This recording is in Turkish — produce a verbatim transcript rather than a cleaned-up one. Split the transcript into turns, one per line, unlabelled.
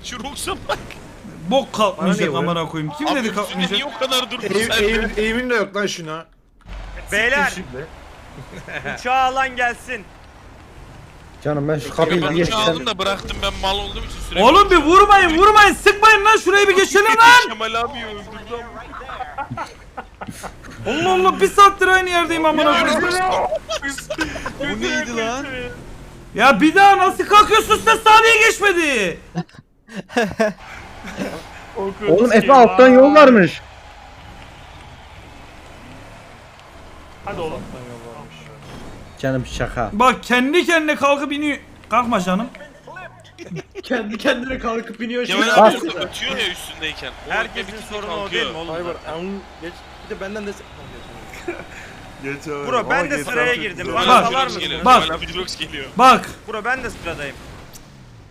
Şu Rox'a bak.
Bok kalkmayacak
Bana ne
amına koyayım. Kim
Abi
dedi
üstünde
kalkmayacak?
niye o kadar durdun
Eğim,
sen
eğim,
de?
eğimin de yok lan şuna.
Beyler
Şimdi.
uçağı alan gelsin.
Canım ben şu
Ya
kapıyı
ben
bir
uçağı
geçsem.
aldım da bıraktım ben mal olduğum için süremiyorum.
Oğlum bir vurmayın vurmayın sıkmayın lan şurayı bir geçelim lan.
Kemal abi öldürdü ama.
Allah Allah bir saattir aynı yerdeyim amına koyayım.
O neydi lan?
Ya bir daha nasıl kalkıyorsun sen saniye geçmedi.
Oğlum Efe alttan yol varmış.
Hadi oğlum.
Canım şaka.
Bak kendi kendine kalkıp iniyor. Kalkma canım.
Kendi kendine kalkıp iniyor şimdi.
Kemal abi
Bas.
orada ötüyor ya üstündeyken. O
Herkesin
ötme bitince
sorunu o
kalkıyor.
değil mi oğlum?
Hayır geç. Bir de benden de
Geç abi.
Bro ben de
Geç
sıraya
abi.
girdim.
Dur.
Bana
Bak.
salar
Drox geliyor.
mısın?
Bak.
Kemal abi Drox geliyor.
Bak
Bro ben de sıradayım.